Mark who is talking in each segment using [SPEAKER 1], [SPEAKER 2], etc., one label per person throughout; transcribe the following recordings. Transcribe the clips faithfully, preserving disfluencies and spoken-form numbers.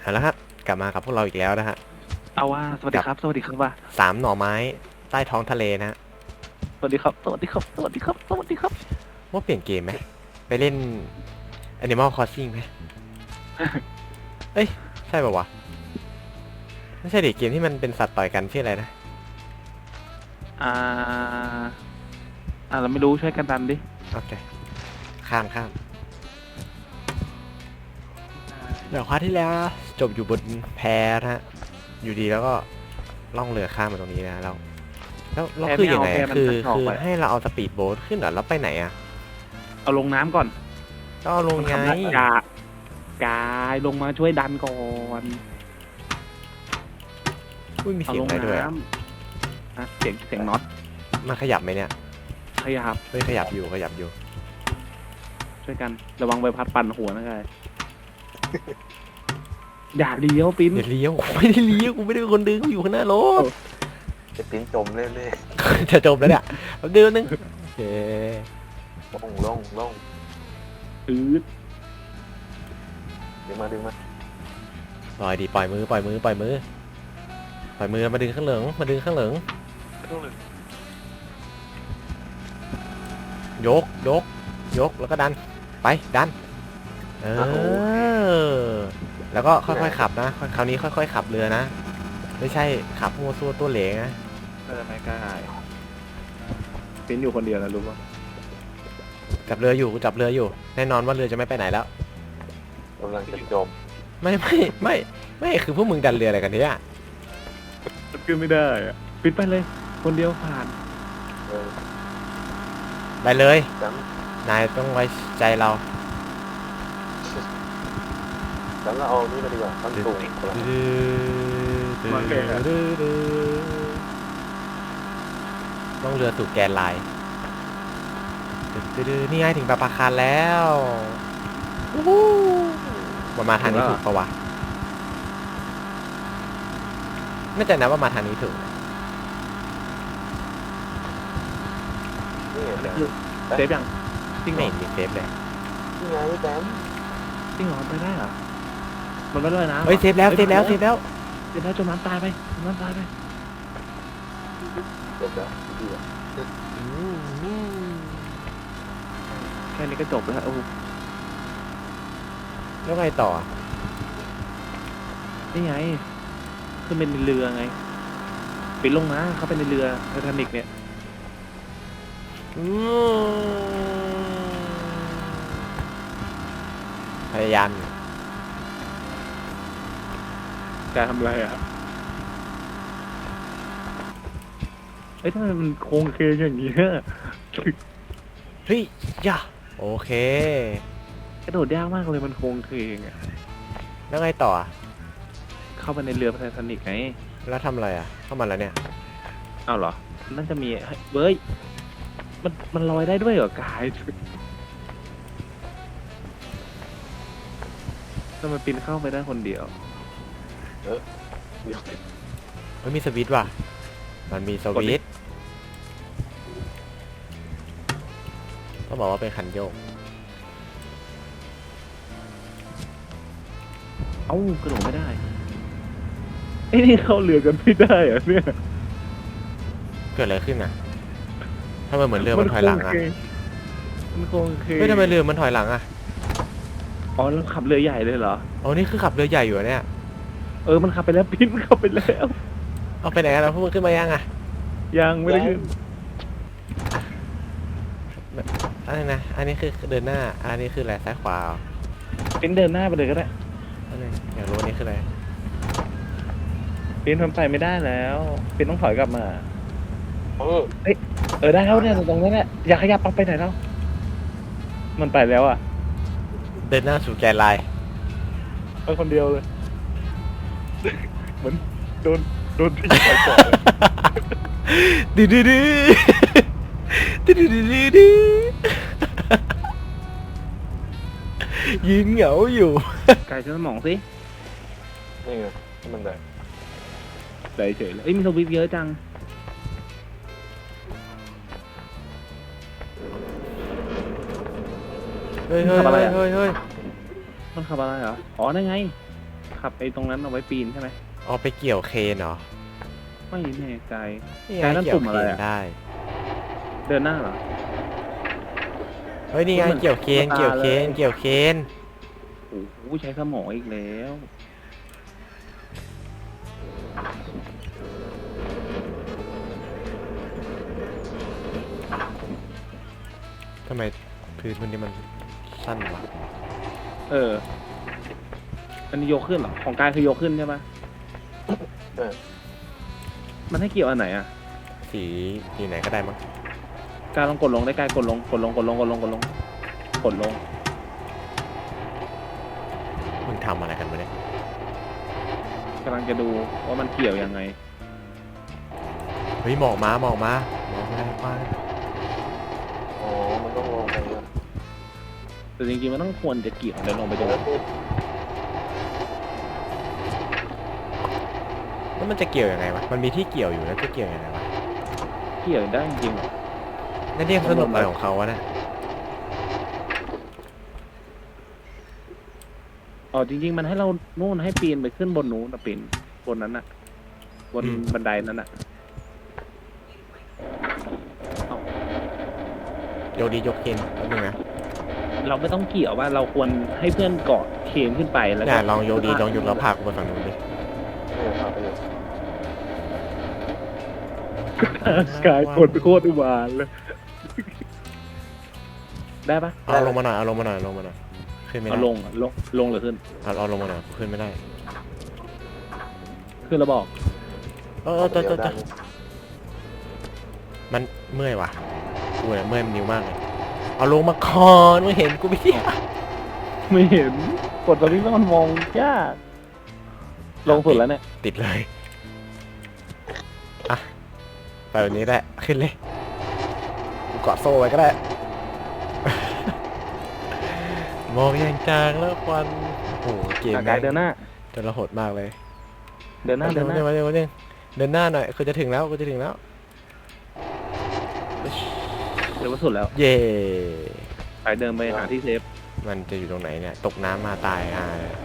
[SPEAKER 1] เอาละครับกลับมากับพวกเราอีกแล้วนะฮะ
[SPEAKER 2] เอาว่าสวัสดีครับสวัสดีครับว่า
[SPEAKER 1] สามหน่อไม้ใต้ท้องทะเลนะฮะ
[SPEAKER 2] สวัสดีครับสวัสดีครับสวัสดีครับสวัสดีครับ
[SPEAKER 1] ว่าเปลี่ยนเกมไหมไปเล่น Animal Crossing ไหม เอ้ยใช่ป่าวะไม่ใช่ดิเกมที่มันเป็นสัตว์ต่อยกันชื่ออะไรนะ
[SPEAKER 2] อ่าอ่าเราไม่รู้ช่วยกันดันดิ
[SPEAKER 1] โอเคข้ามข้ามเดี๋ยวคว้าที่แล้วจบอยู่บนแพนะฮะอยู่ดีแล้วก็ล่องเรือข้ามมาตรงนี้นะเราแล้วแล้วคือยังไงคือคือให้เราเอาสปีดโบ๊ทขึ้นเหรอแล้วไปไหนอ่ะ
[SPEAKER 2] เอาลงน้ำก่อน
[SPEAKER 1] ก็เอาลงไง
[SPEAKER 2] กากายลงมาช่วยดันก่อน
[SPEAKER 1] อุ้ยมีเสียงอะไรด้วยอ่
[SPEAKER 2] ะเสียงเสียงน็อต
[SPEAKER 1] มันขยับไหมเนี่ย
[SPEAKER 2] ขยับ
[SPEAKER 1] เฮ้ยขยับอยู่ขยับอยู่
[SPEAKER 2] ช่วยกันระวังใบพัดปั่นหัวนะกายอย่าเลี้ยวปิ้น
[SPEAKER 1] อย่าเลี้ยวไม่ได้เลี้ยวกูไม่ได้เป็นคนดึงกูอยู่ข้างหน้ารถ
[SPEAKER 3] จะปิ้นจมเรื่อย
[SPEAKER 1] ๆจะจมแล้วเนี่ยเดี๋ยวนึงโอเค
[SPEAKER 3] ลงลงลง
[SPEAKER 2] อืด
[SPEAKER 3] ดึงมาดึงมา
[SPEAKER 1] ปล่อยดิปล่อยมือปล่อยมือปล่อยมือปล่อยมือมาดึงข้างเหลืองมาดึงข้างเหลืองยกยกยกแล้วก็ดันไปดันเออแล้วก็ค่อยๆขับนะคราวนี้ค่อยๆขับเรือนะไม่ใช่ขับมัวซัวตัวเหลงนะ
[SPEAKER 2] เออไม่กล้าปิ้นอยู่คนเดียวนะรู้ป่ะ
[SPEAKER 1] จับเรืออยู่จับเรืออยู่แน่นอนว่าเรือจะไม่ไปไหนแล้ว
[SPEAKER 3] กำลังจะจม
[SPEAKER 1] ไม่ไม่ไม่ไม่คือพวกมึงดันเรืออะไรกันเนี่ย
[SPEAKER 2] ขึ้นไม่ได้อะปิดไปเลยคนเดียวผ่าน
[SPEAKER 1] ไปเลยนายต้องไว้ใจเรา
[SPEAKER 3] แล้วเราเอานี่มาดีกว่าตั้งตูง
[SPEAKER 1] ต้องเรือสู่แกนไลน์นี่ไงถึงปาปาคารแล้วมามาทางนี้ถูกปะวะไม่ใจนะว่ามาทางนี้ถูก
[SPEAKER 2] เซฟยัง
[SPEAKER 1] จริงไม่เห็นมีเซฟเลย
[SPEAKER 3] นี่ไงแต้ม
[SPEAKER 2] จริงเหรอไปได้เหรอมันไม่ได้นะ
[SPEAKER 1] เฮ้ยเซฟแล้วเซฟแล้วเซฟแล้ว
[SPEAKER 2] เซฟแล้วจมน้ำตายไปจมน้ำตายไป
[SPEAKER 3] จบแล้วดีอ่ะ
[SPEAKER 2] แค่นี้ก็จบแล้วโอ้
[SPEAKER 1] แล้วไงต่อ
[SPEAKER 2] นี่ไงขึ้นเป็นเรือไงปิดลงนะเขาเป็นในเรือไททานิกเนี่ย
[SPEAKER 1] พยายาม
[SPEAKER 2] การทำอะไรอ่ะเอ้ยทำไมมันโค้งเคอย่างนี้เ
[SPEAKER 1] ฮ้ยย่าโอเค
[SPEAKER 2] กระโดดยากมากเลยมันโค้งเคงอ่ะ
[SPEAKER 1] แล้วไงต่อ
[SPEAKER 2] เข้าไปในเรือไททานิกไง
[SPEAKER 1] แล้วทำอะไรอ่ะเข้ามาแล้วเนี่ย
[SPEAKER 2] อ้าวเหรอนั่นจะมีเบ้ยมันมันลอยได้ด้วยเหรอกายทำไมปีนเข้าไปได้คนเดียว
[SPEAKER 3] เออเดี๋ยว
[SPEAKER 1] มันมีสวิตช์ว่ะมันมีสวิตช์ต้องบอกว่าเป็นคันโยก
[SPEAKER 2] เอ้ากระโดดไม่ได้ไอ้นี่เข้าเรือกันไม่ได้เหรอเนี่ย
[SPEAKER 1] เกิดอะไรขึ้นอ่ะทำไมเหมือนเรือมันถอยหลังอ่ะ
[SPEAKER 2] มันโค้งเคง
[SPEAKER 1] ไม่ทำไมเรือมันถอยหลังอ่ะ
[SPEAKER 2] อ๋อแล้วขับเรือใหญ่เลยเหรอ
[SPEAKER 1] อ๋อนี่คือขับเรือใหญ่อยู่เนี่ย
[SPEAKER 2] เออมันขับไปแล้วปิ้นขับไปแล้ว
[SPEAKER 1] เอาไปไหนกันแล้วพวกมึงขึ้นมายังอ่ะ
[SPEAKER 2] ยังไม่ได้ขึ้น
[SPEAKER 1] อันนี้นะอันนี้คือเดินหน้าอันนี้คืออะไรซ้ายขวา
[SPEAKER 2] ปิ้นเดินหน้าไปเลยก็ได้
[SPEAKER 1] อันนี้อยากรู้อันนี้คืออะไร
[SPEAKER 2] ปิ้นทำไปไม่ได้แล้วปิ้นต้องถอยกลับมา
[SPEAKER 3] เออ
[SPEAKER 2] เฮ้ยเออได้แล้วเนี่ยตรงนี้แหละอย่าขยับไปไหนแล้วมันไปแล้วอ่ะ
[SPEAKER 1] เดินหน้าสู่แกนไลน์
[SPEAKER 2] ไปคนเดียวเลยเหมือนโดนโดนที่ไปก่อน
[SPEAKER 1] ดื้อดื้อดื้อดื้อดื้อดื้อดื้อยืนเหงาอยู่
[SPEAKER 2] ไก่ฉันสมองสิ
[SPEAKER 3] นี่ไงมันได้
[SPEAKER 2] ได้เฉยเลยเอ้ยมีสวิปเยอะจัง
[SPEAKER 1] เฮ้ยเฮ้ยเฮ้ยเฮ้ย
[SPEAKER 2] มันขับอะไรเหรออ๋อนั่นไงขับไอ้ตรงนั้นเอาไว้ปีนใช่ไหม
[SPEAKER 1] เอาไปเกี่ยวเคนเหรอ
[SPEAKER 2] ไม่แน่ใจ
[SPEAKER 1] นี่
[SPEAKER 2] ใช้
[SPEAKER 1] ไง
[SPEAKER 2] นั่น
[SPEAKER 1] เกี่ย
[SPEAKER 2] ปุ่
[SPEAKER 1] ว
[SPEAKER 2] ม
[SPEAKER 1] เค
[SPEAKER 2] อะไร
[SPEAKER 1] น
[SPEAKER 2] อะ
[SPEAKER 1] ได้
[SPEAKER 2] เดินหน้าเหรอ
[SPEAKER 1] เฮ้ยนี่ไง
[SPEAKER 2] เหมือน
[SPEAKER 1] เกี่ยวเคน
[SPEAKER 2] ตุ๊กตา
[SPEAKER 1] เกี่ยวเคน
[SPEAKER 2] เลย
[SPEAKER 1] เกี่ยวเคน
[SPEAKER 2] โอ้โหใช้สมองอีกแล้ว
[SPEAKER 1] ทำไมพื้นมันนี่มันสั้นวะ
[SPEAKER 2] เออ อันนี้ยกขึ้นเหรอ ของกายคือยกขึ้นใช่ปะ
[SPEAKER 3] เออ
[SPEAKER 2] มันให้เกี่ยวอันไหนอ่ะ
[SPEAKER 1] สีสีไหนก็ได้มั้ง
[SPEAKER 2] กายลองกดลงได้กายกดลง กดลง กดลง กดลง กดลง กดลง
[SPEAKER 1] มึงทำอะไรกันวะเนี่ย
[SPEAKER 2] กำลังจะดูว่ามันเกี่ยวยังไง
[SPEAKER 1] เฮ้ยหมอกมาหมอกมาหมอกมาป้า
[SPEAKER 3] อ๋อมันต้องลงไปอ่ะ
[SPEAKER 2] แต่จริงๆมันต้องควรจะเกี่ยวเดินลงไป
[SPEAKER 3] เอ
[SPEAKER 2] ดู
[SPEAKER 3] อคือ
[SPEAKER 1] แล้วมันจะเกี่ยวยังไงวะมันมีที่เกี่ยวอยู่แล้วจะเกี่ยวยังไงวะ
[SPEAKER 2] เกี่ยวได้จริงๆเหรอ
[SPEAKER 1] นั่นเรียกสนุกอะไรของเขาวะเนี่ย
[SPEAKER 2] อ๋อจริงๆมันให้เรานู่นให้ปีนไปขึ้นบนนู้นนะปีนบนนั้นน่ะ บนบันไดนั้นน่ะ
[SPEAKER 1] โยกดียกเคนแป๊บนึงนะ
[SPEAKER 2] เราไม่ต้องเกี่ยวว่าเราควรให้เพื่อนเกาะเคนขึ้นไปแล้ว
[SPEAKER 1] เนี่
[SPEAKER 2] ก็
[SPEAKER 1] ยลองโยกดีลองยกแล้วพากูไปฝั่งนู้นดิ
[SPEAKER 3] เออพาไปเลย
[SPEAKER 2] กายกดโคตรอุบาทเลย ได้ปะ
[SPEAKER 1] เอาลงมาหน่อยเอาลงมาหน่อยลงมาหน่อยขึ้นไม่ได้
[SPEAKER 2] เอาลงอะลงลงหรือขึ้น
[SPEAKER 1] เอาเอาลงมาหน่อยขึ้นไม่ได้
[SPEAKER 2] ขึ้นแล้วบอก
[SPEAKER 1] เออเออเออเออเออมันเมื่อยว่ะกูเนี่ยเมื่อยมันนิ้วมากเลยเอาลงมาก่อนไม่เห็นกูไม่เที่ย
[SPEAKER 2] ไม่เห็นกดตรงนี้แล้วมันมองยากลงสุดแล้วเนี่ย
[SPEAKER 1] ติดเลยอ่ะไปแบบนี้ได้ขึ้นเลยกูเกาะโซ่ไว้ก็ได้ มองอย่างจางแล้วควันโอ้โหเกม
[SPEAKER 2] อ่ะ
[SPEAKER 1] แม่
[SPEAKER 2] กาย
[SPEAKER 1] ง
[SPEAKER 2] เดินหน้า
[SPEAKER 1] จะระหดมากเลย
[SPEAKER 2] เดินหน้าเดินหน้า
[SPEAKER 1] เดินหน้าเดินหน้าเดินหน้าหน่อยคือจะถึงแล้วกูจะถึงแล้ว
[SPEAKER 2] เดินมาสุดแล้ว
[SPEAKER 1] เย่
[SPEAKER 2] ไปเดินไปหาที่เซฟ
[SPEAKER 1] มันจะอยู่ตรงไหนเนี่ย ตกน้ำมาตายอ่า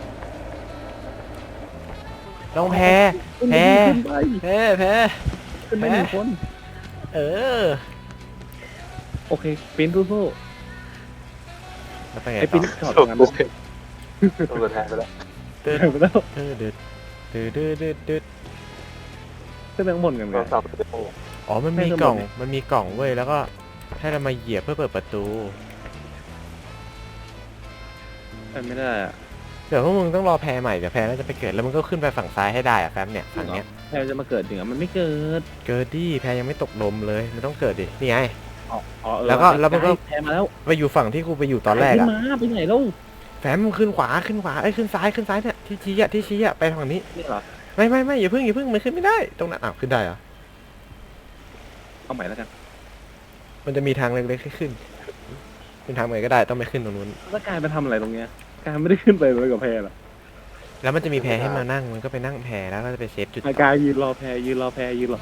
[SPEAKER 1] ลองแพ้ แพ้
[SPEAKER 2] ขึ้นไป
[SPEAKER 1] แพ้แพ้
[SPEAKER 2] ขึ้นไปหนึ่งคน
[SPEAKER 1] เออ
[SPEAKER 2] โอเคปิ้นสู้
[SPEAKER 1] แล้วไป
[SPEAKER 2] ๆ
[SPEAKER 1] ไง
[SPEAKER 2] ไอ้
[SPEAKER 1] ต่
[SPEAKER 2] ปิ้
[SPEAKER 1] อน
[SPEAKER 2] ถอด
[SPEAKER 3] ถู
[SPEAKER 2] งาน
[SPEAKER 3] กตัวตัวแทนไปแล้ว
[SPEAKER 1] เดิน
[SPEAKER 2] เดินไปแล้ว
[SPEAKER 1] เดินเดินเดินเดินเดินเดิน
[SPEAKER 2] ขึ้นไปข้างบนกันไง
[SPEAKER 3] เราสับไปเลย
[SPEAKER 1] อ๋อ มันมีกล่อง มันมีกล่องเว้ย แล้วก็ให้เรามาเหยียบเพื่อเปิดประตู
[SPEAKER 2] ไปไม่ได้อะ
[SPEAKER 1] เดี๋ยวพวกมึงต้องรอแพรใหม่เดี๋ยวแพรน่าจะไปเกิดแล้วมึงก็ขึ้นไปฝั่งซ้ายให้ได้อะแฟมเนี่ยฝั่งเนี้ย
[SPEAKER 2] แพรจะมาเกิดจริงอ่ะมันไม่เกิด
[SPEAKER 1] เกิดดิแพรยังไม่ตกลมเลยมันต้องเกิดดินี่ไง
[SPEAKER 2] อ๋ออ๋อเออ
[SPEAKER 1] แล้วก็แล้วมันก็
[SPEAKER 2] แพรมาแล้ว
[SPEAKER 1] ไปอยู่ฝั่งที่กูไปอยู่ตอนแรก
[SPEAKER 2] ขึ้
[SPEAKER 1] อะ
[SPEAKER 2] นมาไปไหนแล้ว
[SPEAKER 1] แฟมมึงขึ้นขวาขึ้นขวาเอ้ยขึ้นซ้ายขึ้นซ้ายเนี่ยที่ชี้อะที่ชี้อะไปฝั่งนี้
[SPEAKER 2] นี่เหรอ
[SPEAKER 1] ไม่ไม่ไม่อย่าเพิ่งอย่าเพิ่งมันขึ้นไม่ได้ตรงนั้นอ้าวขึ้นได้เหรอ
[SPEAKER 2] เอาใหม่แล้วกัน
[SPEAKER 1] มันจะมีทางเล็กๆให้ขึ้นเป็นทางไหนก็ได้ต้องไปขึ้นตรงนู้น
[SPEAKER 2] แล้วกายไปทำอะไรตรงเนี้ยกายไม่ได้ขึ้นไปเลยกับแพรหรอ
[SPEAKER 1] แล้วมันจะมีแพรให้มานั่งมันก็ไปนั่งแพรแล้วก็จะไปเซฟจุด
[SPEAKER 2] ไอ้กายยืนรอแพรยืนรอแพรยืนรอ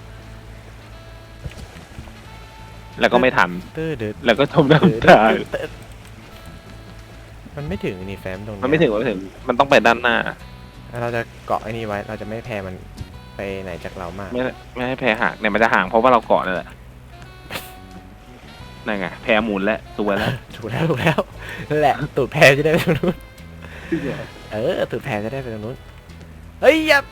[SPEAKER 2] แล้วก็ไม่ทัน
[SPEAKER 1] เตื้อเดือด
[SPEAKER 2] แล้วก็จม
[SPEAKER 1] เดือด
[SPEAKER 2] น้ำ
[SPEAKER 1] เดื
[SPEAKER 2] ตาย
[SPEAKER 1] อดเดือดมันไม่ถึงนี่แฟมตรงนี้
[SPEAKER 2] มันไม่ถึงมันไม่ถึงมันต้องไปด้านหน้า
[SPEAKER 1] แล้วเราจะเกาะไอ้นี่ไว้ เราจะไม่แพรมันไปไหนจากเรามาก
[SPEAKER 2] ไม่ไม่ให้แพรห่างเนี่ยมันจะห่างเพราะว่าเราเกาะนั่นแหละนั่นไงแพรหมุนแล้วตัวแล้ว
[SPEAKER 1] ถูกแล้วถูกแล้วนั่นแหละตูดแพรจะได้ไปตรงนู้นเออตูดแพรจะได้ไปตรงนู้นเฮ้ยอย่าก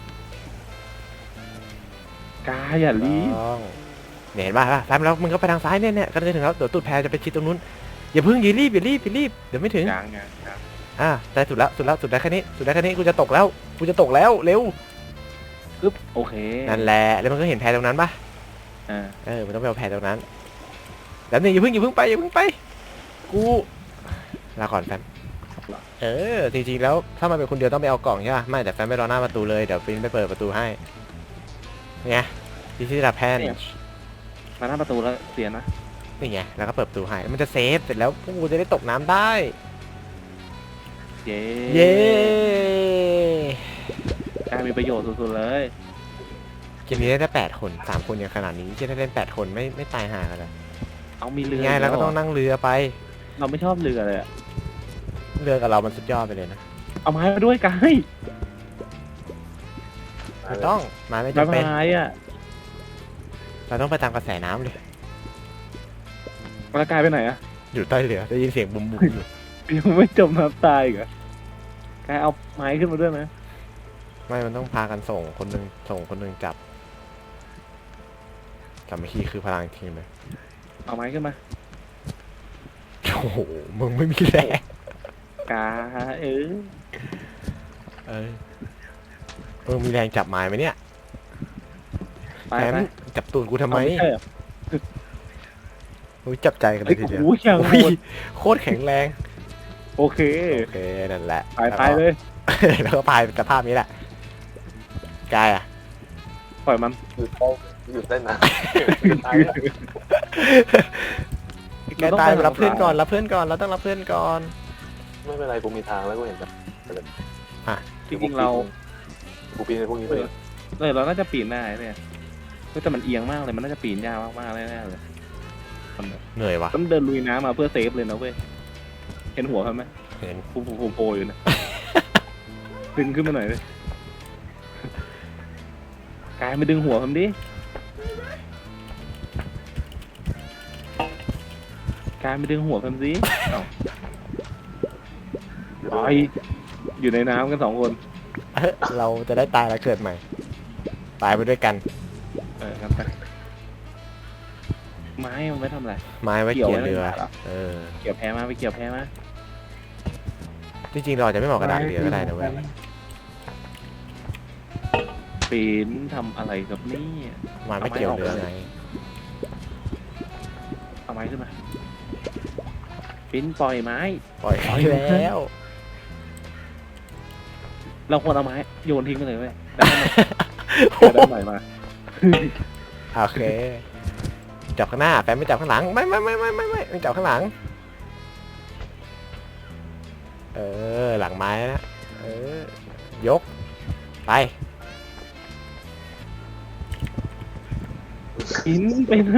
[SPEAKER 2] ายอย่ารีบ
[SPEAKER 1] ต้องเนี่ยเห็นป่ะป่ะแฟมแล้วมึงก็ไปทางซ้ายเนี่ยเนี่ยก็จะถึงแล้วเดี๋ยวตูดแพรจะไปชิดตรงนู้นอย่าเพิ่งอย่ารีบอย่ารีบอย่ารีบเดี๋ยวไม่ถึง
[SPEAKER 2] กลางไงกลาง
[SPEAKER 1] อ่ะได้สุดแล้วสุดแล้วสุดได้แค่นี้สุดได้แค่นี้กูจะตกแล้วกูจะตกแล้วเร็ว
[SPEAKER 2] ปึ๊บโอเค
[SPEAKER 1] นั่นแหละแล้วมันก็เห็นแพรตรงนั้นป่ะ
[SPEAKER 2] อ่า
[SPEAKER 1] เออมันต้องไปเอาแพรตรงนั้นแล้วนี่อย่าเพิ่งอย่าเพิ่งไปอย่าเพิ่งไปกูลาก่อนแฟมเออจริงๆแล้วถ้ามันเป็นคนเดียวต้องไปเอากล่องใช่ป่ะไม่แต่แฟมไปรอหน้าประตูเลยเดี๋ยวฟินไปเปิดประตูให้เนี่ยที่ที่รับแพน
[SPEAKER 2] มาหน้าประตูแล้วเสียนะ
[SPEAKER 1] นี่ไงแล้วก็เปิดประตูให้แล้วมันจะเซฟเสร็จแล้วพวกกูจะได้ตกน้ำได้
[SPEAKER 2] เย้
[SPEAKER 1] เย้
[SPEAKER 2] กลายมีประโยชน์สุดๆเลย
[SPEAKER 1] เกมนี้ได้แปดคนสามคนอย่างขนาดนี้ที่ได้เล่นแปดคนไม่ไม่ตายห่ากันเลย
[SPEAKER 2] เอามีเรือ
[SPEAKER 1] ไงแล้วก็ต้องนั่งเรือไป
[SPEAKER 2] เราไม่ชอบเรือเลยอะ
[SPEAKER 1] เรือกับเรามันสุดยอดไปเลยนะ
[SPEAKER 2] เอาไม้มาด้วยกาย
[SPEAKER 1] ไม่ต้องไม้ไม่
[SPEAKER 2] ใบ
[SPEAKER 1] จำเป็น
[SPEAKER 2] ไม้อ่ะ
[SPEAKER 1] เราต้องไปตามกระแสน้ำเลย
[SPEAKER 2] แล้วกายไปไหนอ่ะ
[SPEAKER 1] อยู่ใต้เรือได้ยินเสียงบุ้มบุ้มอยู่
[SPEAKER 2] ยังไม่จมน้ำตายอีกเหรอกายเอาไม้ขึ้นมาด้วยนะ
[SPEAKER 1] ไม่มันต้องพากันส่งคนหนึ่งส่งคนหนึ่งจับสามัคคีคือพลังทีมเลย
[SPEAKER 2] เอาไม้ขึ้นมา
[SPEAKER 1] โอ้โหมึงไม่มีแรง
[SPEAKER 2] กาเออ
[SPEAKER 1] เออมึงมีแรงจับไม้ไหมเนี่ย
[SPEAKER 2] ไป
[SPEAKER 1] แถม
[SPEAKER 2] ไป
[SPEAKER 1] จับตูนกูทำไม
[SPEAKER 2] เอาใช่เหรอ
[SPEAKER 1] มึงจับใจกันเล
[SPEAKER 2] เฮ้ย
[SPEAKER 1] ยทีเดียว
[SPEAKER 2] โอ้โหยัง
[SPEAKER 1] โอ้
[SPEAKER 2] โห
[SPEAKER 1] ย
[SPEAKER 2] ด
[SPEAKER 1] โคตรแข็งแรง
[SPEAKER 2] โอเค
[SPEAKER 1] โอเคนั่นแหละ
[SPEAKER 2] ไปไปเลย
[SPEAKER 1] แล้วก็พายสภาพนี้แหละกายอ่ะ
[SPEAKER 2] ปล่อยมัน
[SPEAKER 3] อยู่ใต้อยู่ใต้น้ำอยู่ใต้น้ำ
[SPEAKER 1] กายตายรับเพื่อนก่อนรับเพื่อนก่อนเราต้องรับเพื่อนก่อน
[SPEAKER 3] ไม่เป็นไรกูมีทางแล้วกูเห็นแบบ
[SPEAKER 2] จริงๆเรา
[SPEAKER 3] กูปีนในพวกนี้ไป
[SPEAKER 2] เออเราน่าจะปีนได้เนี่ยเฮ้ยแต่มันเอียงมากเลยมันน่าจะปีนยากมากๆแน่ๆเลยมันแบบ
[SPEAKER 1] เหนื่อยว่ะ
[SPEAKER 2] ต้องเดินลุยน้ำมาเพื่อเซฟเลยนะเว้ยเห็นหัวเขาไหม
[SPEAKER 1] เห็น
[SPEAKER 2] ฟูฟูฟูโผล่อยู่นะ ดึงขึ้นมาหน่อยเลยกายมาดึงหัวผมดิกายมาดึงหัวผมสิเอ้าไปอยู่ในน้ำกันสองคน
[SPEAKER 1] เอ้ยเราจะได้ตายแล้วเกิดใหม่ ตายไปด้วยกัน
[SPEAKER 2] เออครับไปไม้มันไม่ทำอะไร
[SPEAKER 1] ไม้ไว้
[SPEAKER 2] เกี่ยว
[SPEAKER 1] เกี่ยว
[SPEAKER 2] ไว้
[SPEAKER 1] เรือ
[SPEAKER 2] ไม่ได้หรอ
[SPEAKER 1] เออ
[SPEAKER 2] เกี่ยวแพ้มาไปเกี่ยวแพ้มา
[SPEAKER 1] จริงๆเราอาจจะไม่เหมาะกับด่านเรือก็ได้นะเว้ย
[SPEAKER 2] ปีนทำอะไรกับนี่
[SPEAKER 1] ไม้ไม่เกี่ยวเรือไง
[SPEAKER 2] เอาไม้ขึ้นมาปีนปล่อยไม้
[SPEAKER 1] ปล่อยให้แล้ว
[SPEAKER 2] เราควรเอาไม้โยนทิ้งไปเลยเว้ยได้ไหมได้ใหม่มา
[SPEAKER 1] โอเค จับข้างหน้าแฟนไม่จับข้างหลัง ไม่ไม่ไม่ไม่ไม่ไม่ไม่จับข้างหลัง เออ หลังไม้นะ เออ ยก ไป
[SPEAKER 2] หินไปไหน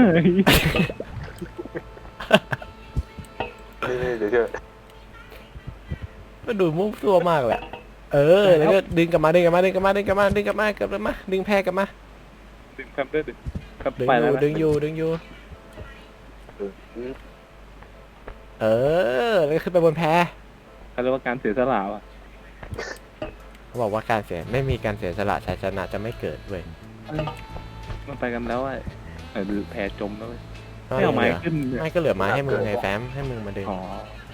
[SPEAKER 3] นี่นี่เดี๋ยวเจอ
[SPEAKER 1] มันดูมุ่งตัวมากแหละ เออ แล้วก็ดึงกลับมา ดึงกลับมา ดึงกลับมา ดึงกลับมา ดึงกลับมาเกือบเลยมา ดึงแพรกลับมา
[SPEAKER 2] ดึงทำได้ดึงครับ
[SPEAKER 1] ดึง
[SPEAKER 2] ไป
[SPEAKER 1] อ
[SPEAKER 2] แล้ว
[SPEAKER 1] ยู่
[SPEAKER 2] นะ
[SPEAKER 1] ดึงอยู่ ดึงอยู่ เออ แล้วขึ้นไปบนแพ
[SPEAKER 2] เขาเรียกว่าการเสียสละว่ะ
[SPEAKER 1] เขาบอกว่าการเสียไม่มีการเสียสละชัยชนะจะไม่เกิดเว้ย
[SPEAKER 2] เอ้ยมันไปกันแล้วอ่ะเออแพจมแล้วเว้ย
[SPEAKER 1] ไม่
[SPEAKER 2] ไม่เอาไม้
[SPEAKER 1] เหลือ
[SPEAKER 2] ขึ้นเนี่ย
[SPEAKER 1] ไม่ก็เหลือไม้ให้มึงไงแฟ้มให้มึงมาดึง
[SPEAKER 2] อ๋อ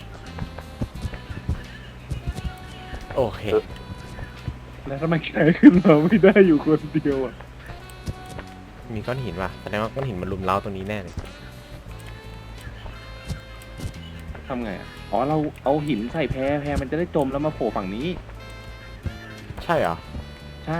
[SPEAKER 1] โอเค
[SPEAKER 2] แล้วทำไมแกขึ้นมาไม่ได้อยู่คนเดียวอ่ะ
[SPEAKER 1] มีก้อนหินว่ะแสดงว่าก้อนหินมันลุมเล้าตรงนี้แน่เลย
[SPEAKER 2] ทำไงอ่ะอ๋อเราเอาหินใส่แพแพมันจะได้จมแล้วมาโผล่ฝั่งนี้
[SPEAKER 1] ใช่เหรอ
[SPEAKER 2] ใช่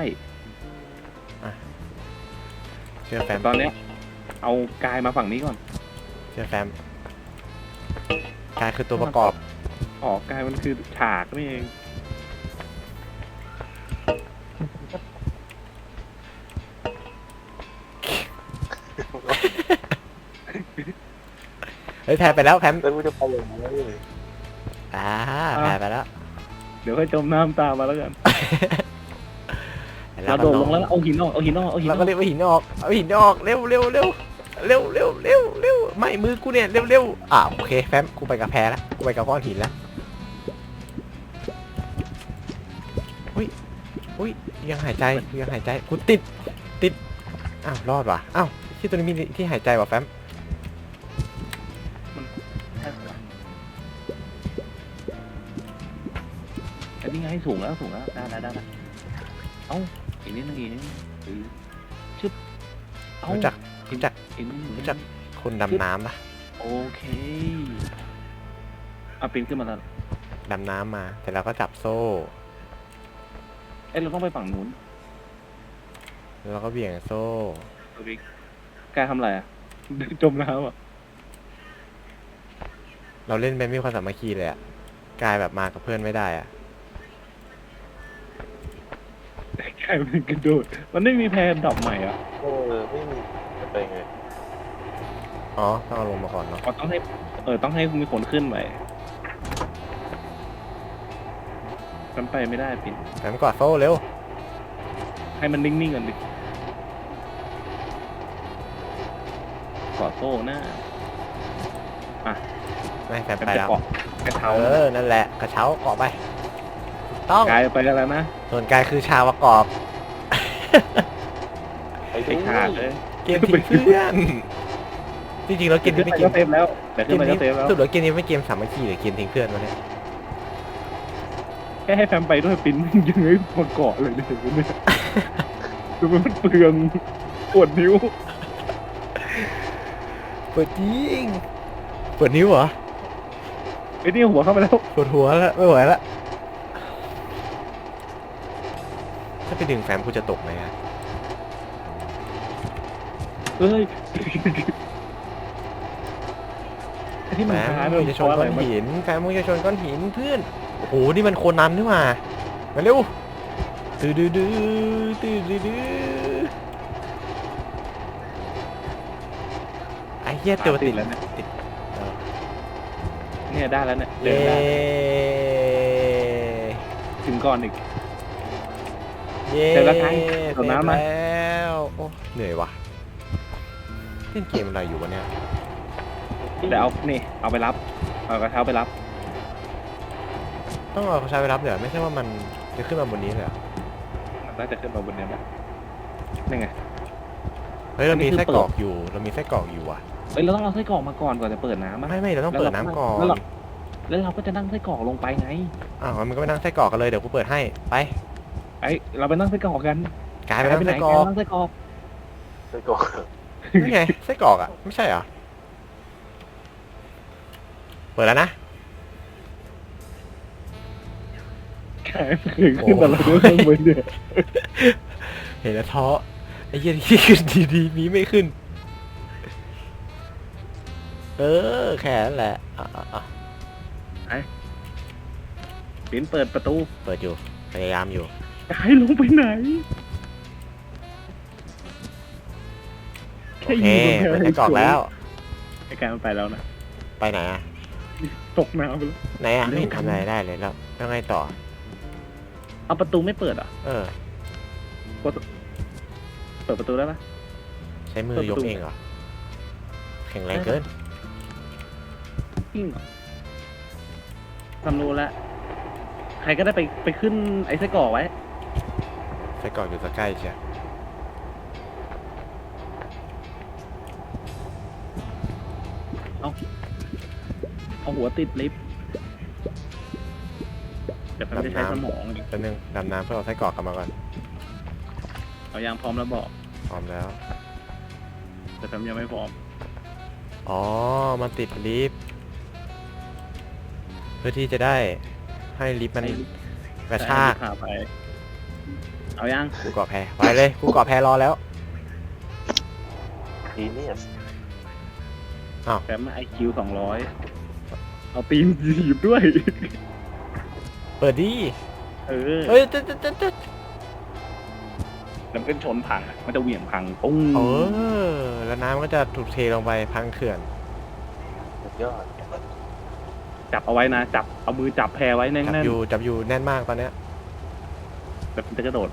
[SPEAKER 1] เชื่อแฟม
[SPEAKER 2] ตอนเนี้ยเอากายมาฝั่งนี้ก่อน
[SPEAKER 1] เชื่อแฟมกายคือตัวประกอบ
[SPEAKER 2] อ๋อกายมันคือฉากนี่เอง
[SPEAKER 1] เฮ้ยแพ้ไปแล้วแฟม
[SPEAKER 3] แล้วกูจะไปยังไง
[SPEAKER 1] อ่าแพ้ไปแล้ว
[SPEAKER 2] เดี๋ยวค่อยจมน้ำตามมาแล้วกัน
[SPEAKER 1] แล้
[SPEAKER 2] เรา
[SPEAKER 1] วก็
[SPEAKER 2] โดดลงแล้วเอาหินออกเอาหินออกเอาหินอ
[SPEAKER 1] เรา
[SPEAKER 2] อก
[SPEAKER 1] ก็เรียกว่าหินออกเอาหินออกเร็วเร็วเร็วเร็วเร็วเร็วเร็วไม่มือกูเนี่ยเร็วเร็วอ่าโอเคแฟมกูไปกับแพ้แล้วกูไปกับก้อนหินแล้วอุ้ยอุ้ยยังหายใจยังหายใจกูติดติดอ้าวรอดว่ะอ้าวที่ตัวนี้มีที่หายใจว่ะแฟม
[SPEAKER 2] อันนี้ไงสูงแล้วสูงแล้วได้ได้ได้เอ้าอีกนิดนึงอีกนิดนึงเออชึบเอ้า
[SPEAKER 1] รู้จักรู้จัก
[SPEAKER 2] อีกนิดนึง
[SPEAKER 1] รู้จักคนดำน้ำปะ
[SPEAKER 2] โอเคเอาปีนขึ้นมาแล้ว
[SPEAKER 1] ดำน้ำมาแต่เราก็จับโซ่
[SPEAKER 2] เอ้ยเราต้องไปฝั่งนู้น
[SPEAKER 1] แล้วเราก็เบี่ยงโซ่
[SPEAKER 2] ตัวบิ๊กกายทำอะไรอ่ะ จมน้ำอ่ะ
[SPEAKER 1] เราเล่นไปไม่มีความสามัคคีเลยอะกลายแบบมากับเพื่อนไม่ได้อะ
[SPEAKER 2] กายมันกระโดดมันไม่มีแพนดอกใหม่อ่ะ
[SPEAKER 3] เออไม่มีจะไปไง
[SPEAKER 1] อ๋อต้องเอาลงมาก่อนเนาะ
[SPEAKER 2] อ๋อต้องให้เออต้องให้มีคนขึ้นไปมันไปไม่ได้ปิน
[SPEAKER 1] แฟมกอดโซ่เร็ว
[SPEAKER 2] ให้มันนิ่งๆกันดิกอดโซ่หน้า
[SPEAKER 1] ไม่แฟม
[SPEAKER 2] เป็น
[SPEAKER 1] ไป
[SPEAKER 2] จะ
[SPEAKER 1] แล้ว
[SPEAKER 2] เกาะกระเช้า
[SPEAKER 1] เออนั่นแหละกระเช้าเกาะไปถูกต้อง
[SPEAKER 2] กลายไปแล้วนะ
[SPEAKER 1] ส่วนกายคือชาวประกอบ
[SPEAKER 3] ไอ้
[SPEAKER 2] ไอ้ขาดเลย
[SPEAKER 1] เกมทิ้งเพื่อนจริงๆแล้วเกม
[SPEAKER 2] ขึ้
[SPEAKER 1] นี้
[SPEAKER 2] น
[SPEAKER 1] ไม่
[SPEAKER 2] ไป
[SPEAKER 1] เก
[SPEAKER 2] ก็
[SPEAKER 1] ม
[SPEAKER 2] เซฟแล้วแต่
[SPEAKER 1] เก
[SPEAKER 2] ขึ้น
[SPEAKER 1] ม
[SPEAKER 2] ไป
[SPEAKER 1] นี้
[SPEAKER 2] ก็เซฟแล้ว
[SPEAKER 1] สุดแล้วเกมนี้ไม่เกมสามัคคีหรือเกมทิ้งเพื่อนวะเนี่ย
[SPEAKER 2] แค่ให้แฟมไปด้วยปิ้นยังไงมาเกาะเลยเนี่ยดูมันเปลืองปวดนิ้ว
[SPEAKER 1] เปิดจริงเปิดนิ้วเหรอ
[SPEAKER 2] ไอ้นี่หัวเข้าไปแล้ว
[SPEAKER 1] ปวดหัวแล้วไม่ไหวแล้วถ้าไปดึงแฟมกูจะตกไหมอะ
[SPEAKER 2] เอ้ยไอ้ที่
[SPEAKER 1] แฟ
[SPEAKER 2] มัน
[SPEAKER 1] ม
[SPEAKER 2] ท้าย
[SPEAKER 1] มึงจะชนก้อนหินแฟมมึงจะชนก้อนหินเพื่อนโอ้โหนี่มันโคนันนี่หว่ามาเร็วตื้อดื้อดื้อตื้อดื้อดื้อไอ้เหี้ยตัวติด
[SPEAKER 2] แล้วเนี่ย
[SPEAKER 1] ติดเออ
[SPEAKER 2] เนี่ยได้แล้วเนี่ยเดิ
[SPEAKER 1] เย้
[SPEAKER 2] นได้ถึงก่อนอีก
[SPEAKER 1] เย้
[SPEAKER 2] เสร็จแล้วครับส่งน้ำมา
[SPEAKER 1] เสร็จแล้วโอ้เหนื่อยว่ะเล่นเกมอะไรอยู่วะเนี่ย
[SPEAKER 2] เดี๋ยวเอานี่เอาไปรับเอากระเช้าไปรับ
[SPEAKER 1] ต้องเอาเขาใช้ไปรับเดี๋ยวไม่ใช่ว่ามันจะขึ้นมาบนนี้เลยเหรอ
[SPEAKER 2] มันน่าจะขึ้นมาบนเนี้ยนะนี่ไง
[SPEAKER 1] เฮ้ยเรามี
[SPEAKER 2] อันนี้คือ
[SPEAKER 1] ไส้กรอกอยู่เรามีไส้กรอกอยู่ว่ะ
[SPEAKER 2] เอ้ยเราต้องเอาไส้กรอกมาก่อนก่อนจะเปิดน้ำอะ
[SPEAKER 1] ไม่ไม่เราต้องเปิดน้ำก่อน
[SPEAKER 2] แล้วเรา แล้วเราก็จะนั่งไส้กรอกลงไปไง
[SPEAKER 1] อ้าวมันก็ไปนั่งไส้กรอกกันเลยเดี๋ยวกูเปิดให้ไป
[SPEAKER 2] ไอ้เราไปนั่งไส้กรอกกัน
[SPEAKER 1] กลายไปนั่ง
[SPEAKER 2] ไหน
[SPEAKER 1] ไส้กรอก
[SPEAKER 2] นั่งไส้กรอก
[SPEAKER 3] ไส้กรอก
[SPEAKER 1] นี่ไงไส้กรอกอ่ะไม่ใช่เหรอเปิดแล้วนะ
[SPEAKER 2] แขนขึ้นขึ้นแต่เราด้วยข้างบนเนี่ย
[SPEAKER 1] เห็นแล้วท้อไอ้เหี้ยที่ขึ้นดีๆมีไม่ขึ้น เออแค่นั้นแหละอ่ะอ่ะอ่ะ
[SPEAKER 2] ปิ้นเปิดประตู
[SPEAKER 1] เปิดอยู่พยายามอยู่
[SPEAKER 2] ให้ลงไปไหน
[SPEAKER 1] โอเคเปิดไส้กรอกแล้ว
[SPEAKER 2] ไอ้การมันไปแล้วนะ
[SPEAKER 1] ไปไหนอ่ะ
[SPEAKER 2] ตกน้ำไปแล้ว
[SPEAKER 1] ไหนอ่ะไม่เห็นทำอะไรได้เลยแล้วแล้วไงต่อ
[SPEAKER 2] เอาประตูไม่เปิดอ่ะ
[SPEAKER 1] เออ
[SPEAKER 2] เปิดประตูได้ปะ
[SPEAKER 1] ใช้มือยกเองเหรอแข็งแรงเกิน
[SPEAKER 2] จริงเหรอทำรู้แล้วใครก็ได้ไปไปขึ้นไอ้ไส้กรอกไว้
[SPEAKER 1] ไส้กรอกอยู่สักใกล้ใช่
[SPEAKER 2] เอาหัวติดลิฟต์เดี๋ยวมันจะใช้สมอง
[SPEAKER 1] แป๊บนึงดำน้ำเพื่อเอาไส้กรอกกลับมาก่อน
[SPEAKER 2] เอายางพร้อมแล้วบอก
[SPEAKER 1] พร้อมแล้ว
[SPEAKER 2] แต่แฟมยังไม่พร้อม
[SPEAKER 1] อ๋อมันติดลิฟต์เพื่อที่จะได้ให้ลิฟต์มันกระชาก
[SPEAKER 2] พาไป เอายัง
[SPEAKER 1] กูเกาะแพไปเลยกูเกาะแพรอแล้ว
[SPEAKER 3] จีเนียส
[SPEAKER 2] แฟมไอคิวสองร้อยเอาตีนถีบด้วย
[SPEAKER 1] เปิดดิ
[SPEAKER 2] เออ
[SPEAKER 1] เฮ้ยตึ๊ดตึ๊ดตึ๊ดตึ๊ด
[SPEAKER 2] แล้วมันก็ชนพังอะมันจะเหวี่ยงพังปุ้ง
[SPEAKER 1] เออแล้วน้ำก็จะถูกเทลงไปพังเขื่อน
[SPEAKER 3] สุดยอด
[SPEAKER 2] จับเอาไว้นะ จับ เอามือจับแพรไว้แน่
[SPEAKER 1] จับ
[SPEAKER 2] น
[SPEAKER 1] อยู่จับอยู่แน่นมากตอนเนี้ย
[SPEAKER 2] ๆแบบมันจะกระโดด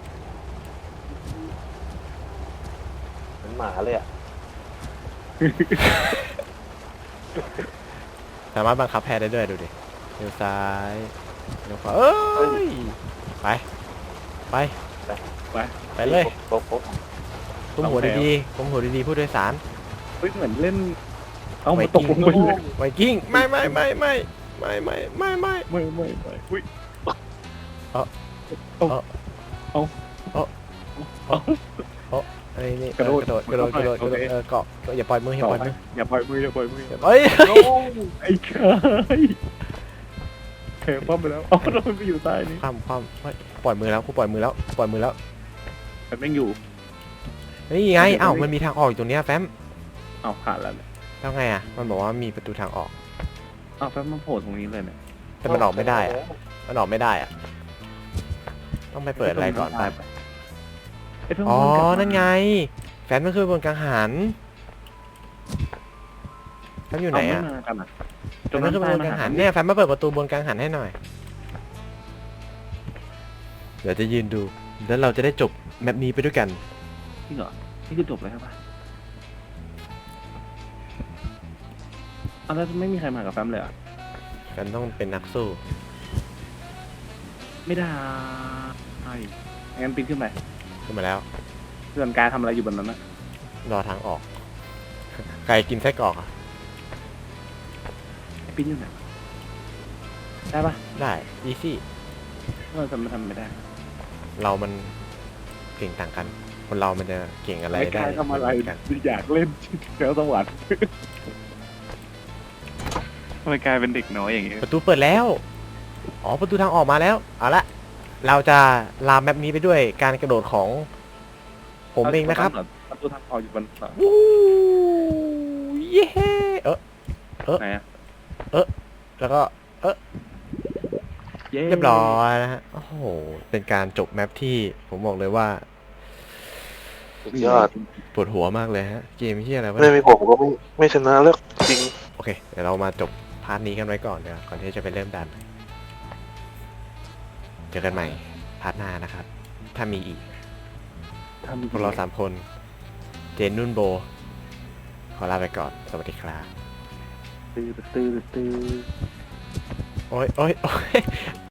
[SPEAKER 3] เหมือนหมาเลยอ่ะ
[SPEAKER 1] สามารถบังคับแพได้ด้วยดูดิเลี้ยวซ้ายเลี้ยวขวาเอ้ยไปไปไปไปเลย
[SPEAKER 3] โป๊ะโป๊ะ
[SPEAKER 1] ก้มหัวดีๆก้มหัวดีๆผู้โดยสาร
[SPEAKER 2] เฮ้ยเหมือนเล่น เอามาตกลงไปเลย
[SPEAKER 1] ไวกิ้งไม่ไม่ไม่ไม่ไม่ไม่ไม่ไม่
[SPEAKER 2] ไม่ไม่ไม่อุ้ย
[SPEAKER 1] ไอ้นี่กระโดดกระโดดกระโดดกระโดดกระโดดเออเกาะอย่าปล่อยมืออย่าปล่อยมือ
[SPEAKER 2] อย่าปล่อยมืออย่าปล่อยมือ
[SPEAKER 1] เฮ้ย
[SPEAKER 2] ไอ้ชายแพรป้อมไปแล้วเอาเราไปอยู่ใต้นี้
[SPEAKER 1] ความความปล่อยมือแล้วกูปล่อยมือแล้วปล่อยมือแล้ว
[SPEAKER 2] แต่แม่งอยู่
[SPEAKER 1] นี่ไงอ้าวมันมีทางออกอยู่ตรงเนี้ยแฟม
[SPEAKER 2] เอาผ่านแล้วเนี่ย
[SPEAKER 1] แล้วไงอ่ะมันบอกว่ามีประตูทางออก
[SPEAKER 2] เอาแฟมมาโผล่ตรงนี้เลยเนี่ย
[SPEAKER 1] แต่มันออกไม่ได้อะมันออกไม่ได้อะต้องไปเปิดอะไรก่อนไป
[SPEAKER 2] ไอ้แฟม
[SPEAKER 1] อ๋อ
[SPEAKER 2] มักลับมา
[SPEAKER 1] นั่นไงแฟมมันคือบนกังหันแฟมอยู่ไหนอ่ะ
[SPEAKER 2] เาม่มากันอะ
[SPEAKER 1] แฟมมันคือบนกังหันเนี่ยแฟมมาเปิดประตูบนกังหันให้หน่อยเดี๋ยวจะยืนดูแล้วเราจะได้จบแมปนี้ไปด้วยกัน
[SPEAKER 2] จริงเหรอนี่คือจบเลยใช่ปะเอาแล้วไม่มีใครมากับแฟมเลยเหรอ่ะ
[SPEAKER 1] กันต้องเป็นนักสู้
[SPEAKER 2] ไม่ได้งั้นปีนขึ้นไป
[SPEAKER 1] ขึ้นมาแล้ว
[SPEAKER 2] เพื่อนกายทำอะไรอยู่บนนั้นนะ
[SPEAKER 1] รอทางออก ใครกินไส้กรอกอ่ะ
[SPEAKER 2] ปีนอยู่ไหนวะได้ปะ
[SPEAKER 1] ได้ อีซี่
[SPEAKER 2] เราจะมาทำไม่ได้
[SPEAKER 1] เรามันเก่งต่างกัน คนเรามันจะเก่งอะไร
[SPEAKER 2] ไม่
[SPEAKER 1] ได้
[SPEAKER 2] กายทำอะไร
[SPEAKER 1] เหมืนกัน
[SPEAKER 2] อยากเล่นแล้วสวรรค์ทำไมกลายเป็นเด็กน้อยอย่างเงี้ย
[SPEAKER 1] ประตูเปิดแล้ว อ๋อ ประตูทางออกมาแล้ว เอาละ เราจะลามแมปนี้ไปด้วยการกระโดดของผมเองนะครับ
[SPEAKER 2] ประตูทางออกอยู่บนเสา
[SPEAKER 1] วู้เย้เออ
[SPEAKER 2] ไหนอะ
[SPEAKER 1] แล้วก็
[SPEAKER 2] เย้
[SPEAKER 1] เรียบร้อยนะฮะ โอ้โห เป็นการจบแมปที่ผมบอกเลยว่า
[SPEAKER 3] สุดยอด
[SPEAKER 1] ปวดหัวมากเลยฮะ เกมที่อะไรวะ
[SPEAKER 3] ไม่มีผมก็ไม่ไม่ชนะแล้วจริง
[SPEAKER 1] โอเค เดี๋ยวเรามาจบพาร์ทนี้กันไว้ก่อนเดี๋ยวก่อนที่จะไปเริ่มดัน เจอกันใหม่พาร์ทหน้านะครับ ถ้ามีอีก
[SPEAKER 2] ทำ
[SPEAKER 1] พวกเราสามคน เจนนุ่นโบ ขอลาไปก่อน สวัสดีครับ
[SPEAKER 2] ตื้อตื้อตื้อ
[SPEAKER 1] โอ้ยโอ้ยโอ้ย